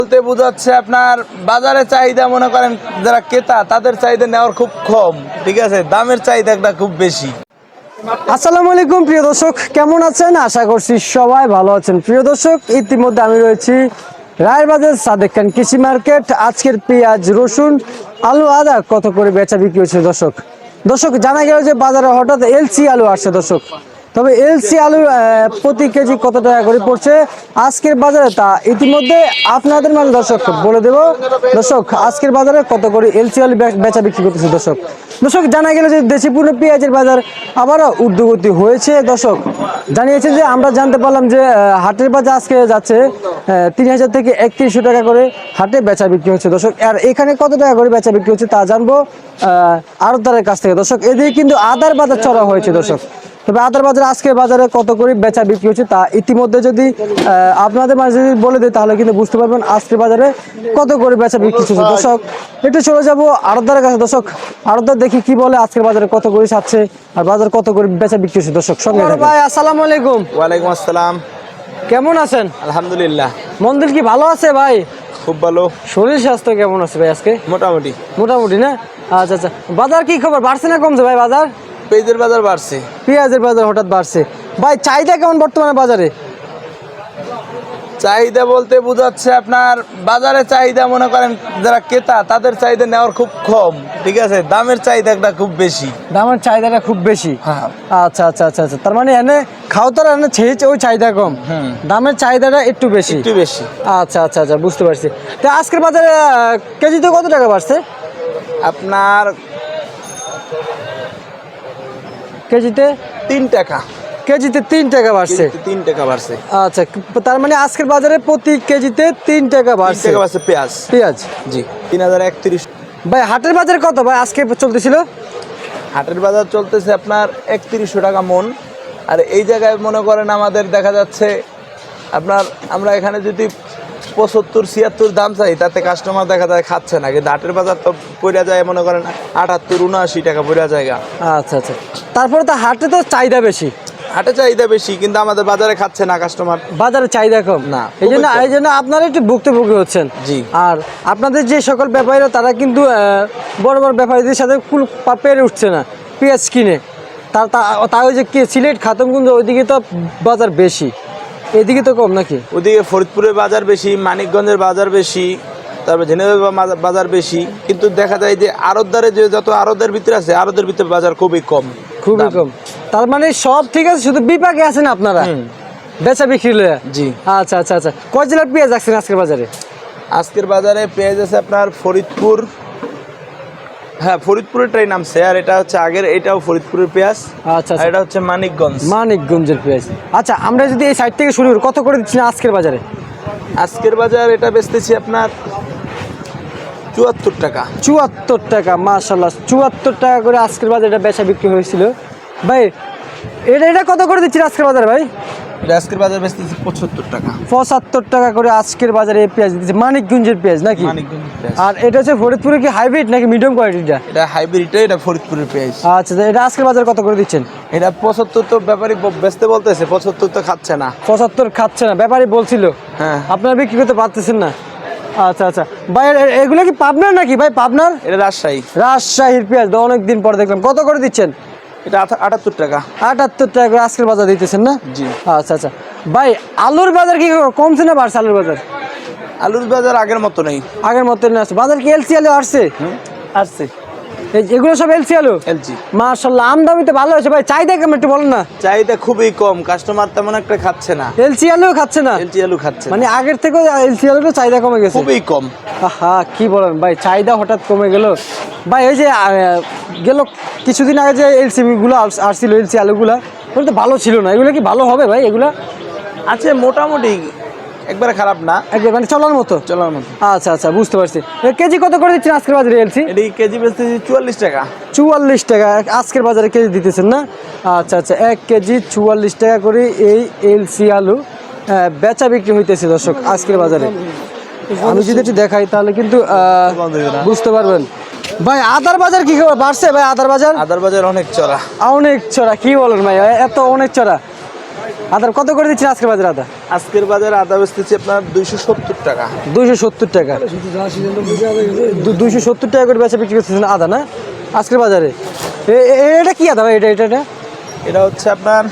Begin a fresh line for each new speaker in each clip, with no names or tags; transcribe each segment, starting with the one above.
বলতে বোঝাচ্ছে আপনার বাজারে চাহিদা মনে করেন যারা ক্রেতা তাদের চাহিদা নেওয়ার খুব কম, ঠিক আছে, দামের চাহিদাটা খুব বেশি।
আসসালামু আলাইকুম প্রিয় দর্শক, কেমন আছেন? আশা করছি সবাই ভালো আছেন। প্রিয় দর্শক, ইতিমধ্যে আমি রয়েছি রায়েরবাজার সাদেক খান কৃষি মার্কেট। আজকের পেঁয়াজ, রসুন, আলু, আদা কত করে বেচা বিক্রি হচ্ছে দর্শক জানা গেল যে বাজারে হঠাৎ এলসি আলু আসছে দর্শক। তবে এলসি আলু প্রতি কেজি কত টাকা করে পড়ছে আজকের বাজারে তা ইতিমধ্যে আপনাদের মাঝে দর্শক বলে দেব। দর্শক, আজকের বাজারে কত করে এলসি আলু বেচা বিক্রি করতেছে দর্শক জানা গেল যে দেশি পণ্য পেঁয়াজের বাজার আবারও ঊর্ধ্বগতি হয়েছে। দর্শক জানিয়েছে যে আমরা জানতে পারলাম যে হাটের বাজার আজকে যাচ্ছে 3000 থেকে 3100 টাকা করে হাটে বেচা বিক্রি হচ্ছে দর্শক। আর এখানে কত টাকা করে বেচা বিক্রি হচ্ছে তা জানবো আড়তদারের কাছ থেকে দর্শক। এদিকে কিন্তু আদার বাজার চড়া হয়েছে দর্শক। তবে আদার বাজার আজকের বাজারে কত করে বেচা বিক্রি হচ্ছে তা ইতিমধ্যে যদি আপনাদের মাঝে যদি বলে দিই তাহলে কিন্তু বুঝতে পারবেন আজকের বাজারে কত করে বেচা বিক্রি হচ্ছে দর্শক। একটু চলে যাবো আড়তদারের কাছে দর্শক। আড়তদার দেখি কি বলে আজকের বাজারে কত করে ছাড়ছে আর বাজার কত করে বেচা বিক্রি হচ্ছে দর্শক। সঙ্গে ভাই, আসসালামু আলাইকুম।
ওয়ালাইকুম আসসালাম।
কেমন আছেন?
আলহামদুলিল্লাহ।
মন্দির কি ভালো আছে ভাই?
খুব ভালো।
শরীর স্বাস্থ্য কেমন আছে ভাই আজকে?
মোটামুটি
মোটামুটি না? আচ্ছা আচ্ছা। বাজার কি খবর, বাড়ছে না কমছে ভাই বাজার?
পেঁয়াজের বাজার বাড়ছে।
পেঁয়াজের বাজার হঠাৎ বাড়ছে ভাই, চাহিদা কেমন বর্তমানে বাজারে?
চাহিদা বলতে বোঝাচ্ছে আপনার বাজারে চাহিদা মনে করেন যারা ক্রেতা তাদের চাহিদা নেওয়ার খুব কম, ঠিক আছে, দামের চাহিদাটা খুব বেশি।
দামের চাহিদাটা খুব বেশি।
হ্যাঁ।
আচ্ছা আচ্ছা আচ্ছা আচ্ছা, তার মানে এনে খাওয়ার এনে ছেড়েছে ওই চাহিদা কম, দামের চাহিদাটা একটু বেশি।
একটু বেশি।
আচ্ছা আচ্ছা আচ্ছা, বুঝতে পারছি। তো আজকের বাজারে কেজিতে কত টাকা বাড়ছে?
আপনার
কেজিতে
3 টাকা।
কেজিতে 3 টাকা বাড়ছে।
3 টাকা বাড়ছে।
আচ্ছা, তার মানে আজকের বাজারে প্রতি কেজিতে 3 টাকা
3
বাড়ছে।
টাকা বাড়ছে পেঁয়াজ।
পেঁয়াজ
জি 3031।
ভাই হাটের বাজারে কত ভাই আজকে চলতেছিল?
হাটের বাজার চলতেছে আপনার 3100 টাকা মন। আর এই জায়গায় মনে করেন আমাদের দেখা যাচ্ছে আপনার আমরা এখানে যদি 75-76 দাম চাই তাতে কাস্টমার দেখা যায় খাচ্ছে না, কিন্তু হাটের বাজার তো পড়ে যায় মনে করেন 78-79 টাকা পড়ে জায়গা।
আচ্ছা আচ্ছা, তারপরে তো হাটে তো চাহিদা বেশি।
হাটে চাহিদা বেশি কিন্তু আমাদের বাজারে খাচ্ছে না কাস্টমার।
বাজারে চাহিদা কম
না,
এই জন্য আপনারা একটু ভুক্তভোগী হচ্ছেন।
জি।
আর আপনাদের যে সকল ব্যাপারীরা তারা কিন্তু বড় বড় ব্যাপারীদের সাথে কুল পেরে উঠছে না পেঁয়াজ কিনে। তাও যে কি সিলেট খাতমগঞ্জ ওইদিকে তো বাজার বেশি, এদিকে তো কম নাকি?
ওদিকে ফরিদপুরের বাজার বেশি, মানিকগঞ্জের বাজার বেশি, তারপর ঝিনাইদহ বাজার বেশি, কিন্তু দেখা যায় যে আড়তদারে যে যত আড়তের ভিতরে আছে আড়তের ভিতরে বাজার খুবই কম।
খুবই কম। তার মানে সব ঠিক আছে, শুধু বিপাকে আছেন আপনারা বেচা বিক্রি লয়া।
জি।
আচ্ছা আচ্ছা আচ্ছা, কয় জেলার পেঁয়াজ রাখছেন আজকের বাজারে?
আজকের বাজারে পেঁয়াজ আছে আপনার ফরিদপুর, হ্যাঁ ফরিদপুরেরটাই নামছে। আর এটা হচ্ছে আগের, এটাও ফরিদপুরের পেঁয়াজ।
আচ্ছা,
আর এটা হচ্ছে
মানিকগঞ্জের পেঁয়াজ। আচ্ছা, আমরা যদি এই সাইড থেকে শুরু করি, কত করে দিচ্ছেন আজকের বাজারে?
আজকের বাজার এটা বেচতেছি আপনার 74 টাকা।
74 টাকা, মাশাআল্লাহ 74 টাকা করে আজকের বাজারে এটা বেচা বিক্রি হয়েছিল ভাই। এটা কত করে দিচ্ছেন আজকের বাজারে ভাই?
এটা আজকের বাজার বেচতেছি 75 টাকা।
75 টাকা করে আজকের বাজারে এই পেঁয়াজ দিচ্ছে, মানিকগঞ্জের পেঁয়াজ নাকি?
মানিকগঞ্জের পেঁয়াজ।
আর এটা হচ্ছে ফরিদপুরের কি হাইব্রিড নাকি মিডিয়াম কোয়ালিটিটা?
এটা হাইব্রিড, এটা ফরিদপুরের পেঁয়াজ।
আচ্ছা, এটা আজকের বাজারে কত করে দিচ্ছেন?
এটা 75 তো ব্যাপারী বেচতে বলতেছে, 75 তো খাচ্ছে না।
75 খাচ্ছে না, ব্যাপারী বলছিল।
হ্যাঁ।
আপনারা বিক্রি করতে পারতেছেন না। আচ্ছা আচ্ছা ভাই, এগুলো কি পাবনার নাকি ভাই? পাবনার?
এটা রাজশাহী।
রাজশাহীর পেঁয়াজ অনেকদিন পর দেখলাম। কত করে দিচ্ছেন?
এটা 78 টাকা।
78 টাকা করে আজকের বাজার দিতেছেন না?
জি।
আচ্ছা আচ্ছা ভাই, আলুর বাজার কি কমছে না বাড়ছে? আলুর বাজার?
আলুর বাজার আগের মতো নেই।
আগের মতো না আছে বাজার কি? এলসি আলু আসছে?
আসছে।
এগুলো সব এলসি আলু?
এলজি।
মাশাআল্লাহ, আমদানি তো ভালো হয়েছে ভাই। চাহিদা কেমন একটু বলেন না।
চাহিদা খুবই কম, কাস্টমার তেমন একটা খাচ্ছে না।
এলসি আলু খাচ্ছে না?
এলজি আলু খাচ্ছে না।
মানে আগের থেকে এলসি আলুর চাহিদা কমে গেছে?
খুবই কম।
হ্যাঁ, কি বলেন ভাই, চাহিদা হঠাৎ কমে গেল ভাই। এই যে গেল কিছুদিন আগে যে এলসিবি গুলো আসছিল, এলসি আলুগুলা, ওগুলো তো ভালো ছিল না। এগুলো কি ভালো হবে ভাই? এগুলা
আছে মোটামুটি, একবারে খারাপ না,
একদম মানে চলার মতো।
চলার মতো।
আচ্ছা আচ্ছা, বুঝতে পারছি। কেজি কত করে দিচ্ছেন আজকের বাজারে এলসি?
এটি কেজি বেচতেছি 44 টাকা।
44 টাকা আজকের বাজারে কেজি দিতেছেন না? আচ্ছা আচ্ছা, 1 কেজি 44 টাকা করে এই এলসি আলু বেচা বিক্রি হইতেছে দর্শক আজকের বাজারে। আমি যদি একটু দেখাই তাহলে কিন্তু বুঝতে পারবেন। ভাই আদার বাজার কি খবর, বাড়ছে ভাই? আদার বাজার
আদার বাজার অনেক চড়া।
অনেক চড়া, কি বলেন ভাই, এত অনেক চড়া? আদার কত করে দিচ্ছেন আজকের বাজারে আদা?
আজকের বাজারে আদা বেচতেছি আপনার 270 টাকা।
270 টাকা, 270 টাকা করে বেচা বিক্রি করতেছেন আদা না আজকের বাজারে? এটা কি আদা ভাই? এটা
এটা হচ্ছে আপনার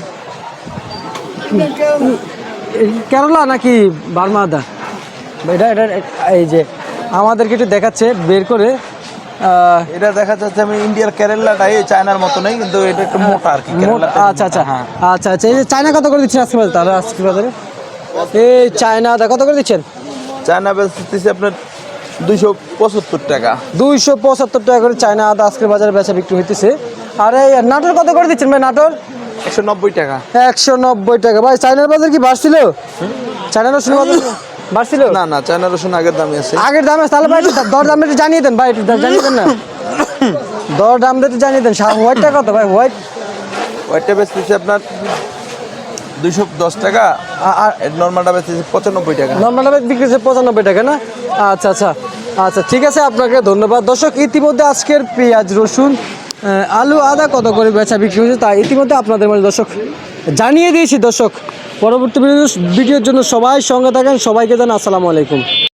কেরলা নাকি বার্মা আদা? এটা এটা এই যে আমাদেরকে একটু দেখাচ্ছে বের করে।
এটা দেখা যাচ্ছে আমি ইন্ডিয়ার কেরালাটাই চায়নার মতো নেই, কিন্তু এটা একটু মোটা আর কি।
আচ্ছা আচ্ছা
হ্যাঁ।
আচ্ছা আচ্ছা, এই যে চায়না কত করে দিচ্ছেন আজকে বাজারে? তাহলে আজকে বাজারে এই চায়না আদা কত করে দিচ্ছেন?
চায়না বেচতেছি আপনার 275 টাকা।
275 টাকা করে চায়না আদা আজকের বাজারে বেচা বিক্রি হইতেছে। আর এই নাটোর কত করে দিচ্ছেন ভাই? নাটোর
190 টাকা।
190 টাকা। ভাই চায়নার বাজার কি বাড়ছিল? চায়নার রসুন বাজার বাড়ছিল?
না না, চায়না রসুন আগের দামই আছে।
আগের দামে? তাহলে ভাই একটু দর দাম একটু জানিয়ে দেন ভাই, একটু জানিয়ে দেন না। দর দাম একটু জানিয়ে দেন। হোয়াইটটা কত ভাই?
ওইটা বেচতেছি আপনার 210 টাকা, আর নর্মালটা বেচতেছি 95 টাকা।
নর্মাল বিক্রি হচ্ছে 95 টাকা না? আচ্ছা আচ্ছা আচ্ছা, ঠিক আছে, আপনাকে ধন্যবাদ। দর্শক, ইতিমধ্যে আজকের পেঁয়াজ, রসুন, আলু, আদা কত করে বেচা বিক্রি হয়েছে তা ইতিমধ্যে আপনাদের মাঝে দর্শক জানিয়ে দিয়েছি। দর্শক, পরবর্তী ভিডিওর জন্য সবাই সঙ্গে থাকেন। সবাইকে জানাই আসসালামু আলাইকুম।